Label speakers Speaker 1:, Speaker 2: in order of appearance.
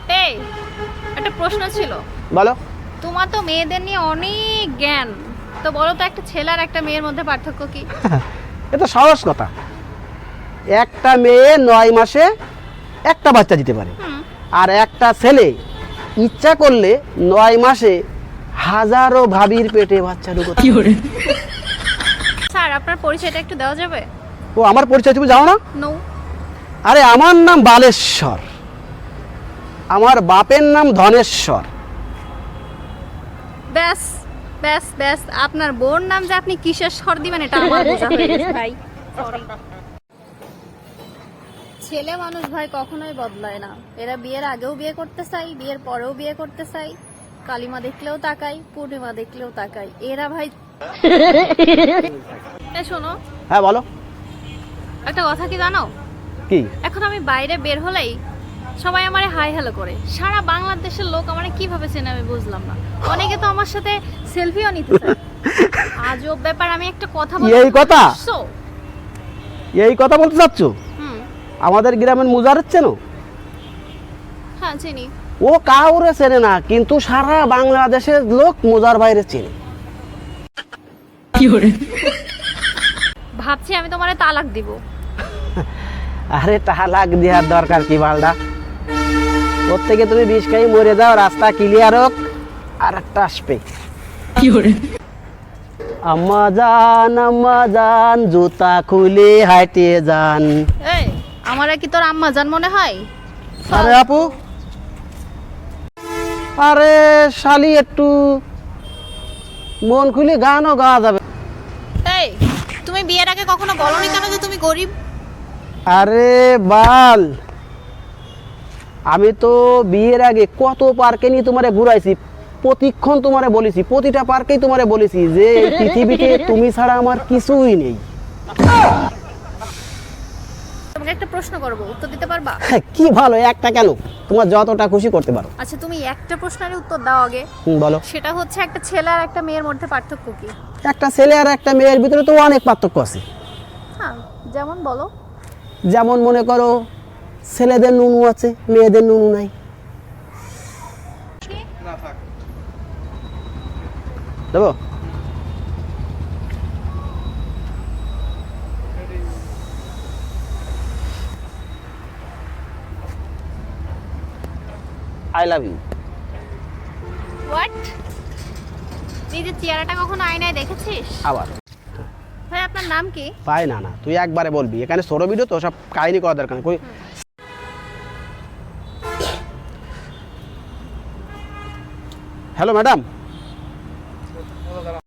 Speaker 1: এই একটা প্রশ্ন ছিল।
Speaker 2: বলো।
Speaker 1: তোমার তো মেয়েদের নিয়ে অনেক জ্ঞান, তো বলো তো একটা ছেলে আর একটা মেয়ের মধ্যে পার্থক্য কি?
Speaker 2: এটা সহজ কথা। একটা মেয়ে 9 মাসে একটা বাচ্চা দিতে পারে, আর একটা ছেলে ইচ্ছা করলে 9 মাসে হাজারো ভাবির পেটে বাচ্চা ঢুকতে পারে।
Speaker 1: স্যার আপনার পরিচয়টা একটু দেওয়া যাবে?
Speaker 2: ও আমার পরিচয় তুমি জানো না?
Speaker 1: নো।
Speaker 2: আরে আমার নাম বালেশ্বর, আমার বাপের নাম ধনেশ্বর।
Speaker 1: ব্যাস ব্যাস ব্যাস, আপনার বোন নাম যে আপনি কিসের স্বর দিবেন এটা আমার বোঝা হয়ে গেছে ভাই। সরি। ছেলে মানুষ ভাই কখনোই বদলায় না। এরা বিয়ের আগেও বিয়ে করতে চাই, বিয়ের পরেও বিয়ে করতে চাই, কালিমা দেখলেও তাকাই, পূর্ণিমা দেখলেও তাকাই। এরা ভাই শোনো।
Speaker 2: হ্যাঁ বলো।
Speaker 1: একটা কথা কি জানো?
Speaker 2: কি?
Speaker 1: এখন আমি বাইরে বের হলেই সবাই আমারে হাই হ্যালো করে। সারা বাংলাদেশের লোক আমারে কিভাবে চেনে আমি বুঝলাম না। অনেকে তো আমার সাথে সেলফিও নিতে চায়। আজব ব্যাপার। আমি একটা কথা বলবো।
Speaker 2: এই কথা?
Speaker 1: So,
Speaker 2: এই কথা বলতে চাচ্ছ? আমাদের গ্রামের মুজার চেনো?
Speaker 1: হ্যাঁ চিনি।
Speaker 2: ও কাউরে চেনে না, কিন্তু সারা বাংলাদেশের লোক মুজার বাইরে চেনে।
Speaker 1: ভাবছি আমি তোমারে তালাক দিব।
Speaker 2: আরে তালাক দেওয়ার দরকার কি বালদা? ওর থেকে তুমি বিষ খাই মরে যাও, রাস্তা ক্লিয়ার হোক, আর একটা আসবে। আম্মা জান জুতা খুলে হাঁটে যান।
Speaker 1: এই আমারে কি তোর আম্মা জান মনে হয়?
Speaker 2: আরে আপু, আরে শালি একটু মন খুলে গানও গাওয়া যাবে।
Speaker 1: এই তুমি বিয়ের আগে কখনো বলনি কেন যে তুমি গরিব?
Speaker 2: আরে বাল, আমি তো বিয়ের আগে কত পার্কে নিয়ে তোমারে ঘুরাইছি, প্রতিক্ষণ তোমারে বলেছি, প্রতিটা পার্কেই তোমারে বলেছি যে এই পৃথিবীতে তুমি ছাড়া আমার কিছুই নেই।
Speaker 1: তোমাকে একটা প্রশ্ন করব, উত্তর দিতে পারবা?
Speaker 2: কি ভালো, একটা কেন, তোমার যতটা খুশি করতে পারো।
Speaker 1: আচ্ছা তুমি একটা প্রশ্নের উত্তর দাও আগে।
Speaker 2: বলো।
Speaker 1: সেটা হচ্ছে একটা ছেলে আর একটা মেয়ের মধ্যে পার্থক্য কি?
Speaker 2: একটা ছেলে আর একটা মেয়ের ভিতরে তো অনেক পার্থক্য আছে।
Speaker 1: হ্যাঁ যেমন বলো।
Speaker 2: যেমন মনে করো, ছেলেদের নুনু আছে, মেয়েদের নুনু নাই। দেবো? I love you.
Speaker 1: হোয়াট? নিজের চেহারাটা কখনো আয়নায় দেখেছিস?
Speaker 2: আবার
Speaker 1: ভাই আপনার নাম কি?
Speaker 2: পাই না, না তুই একবারে বলবি, এখানে ছোট ভিডিও তো, সব কাহিনী করা দরকার নেই। কই হ্যালো ম্যাডাম,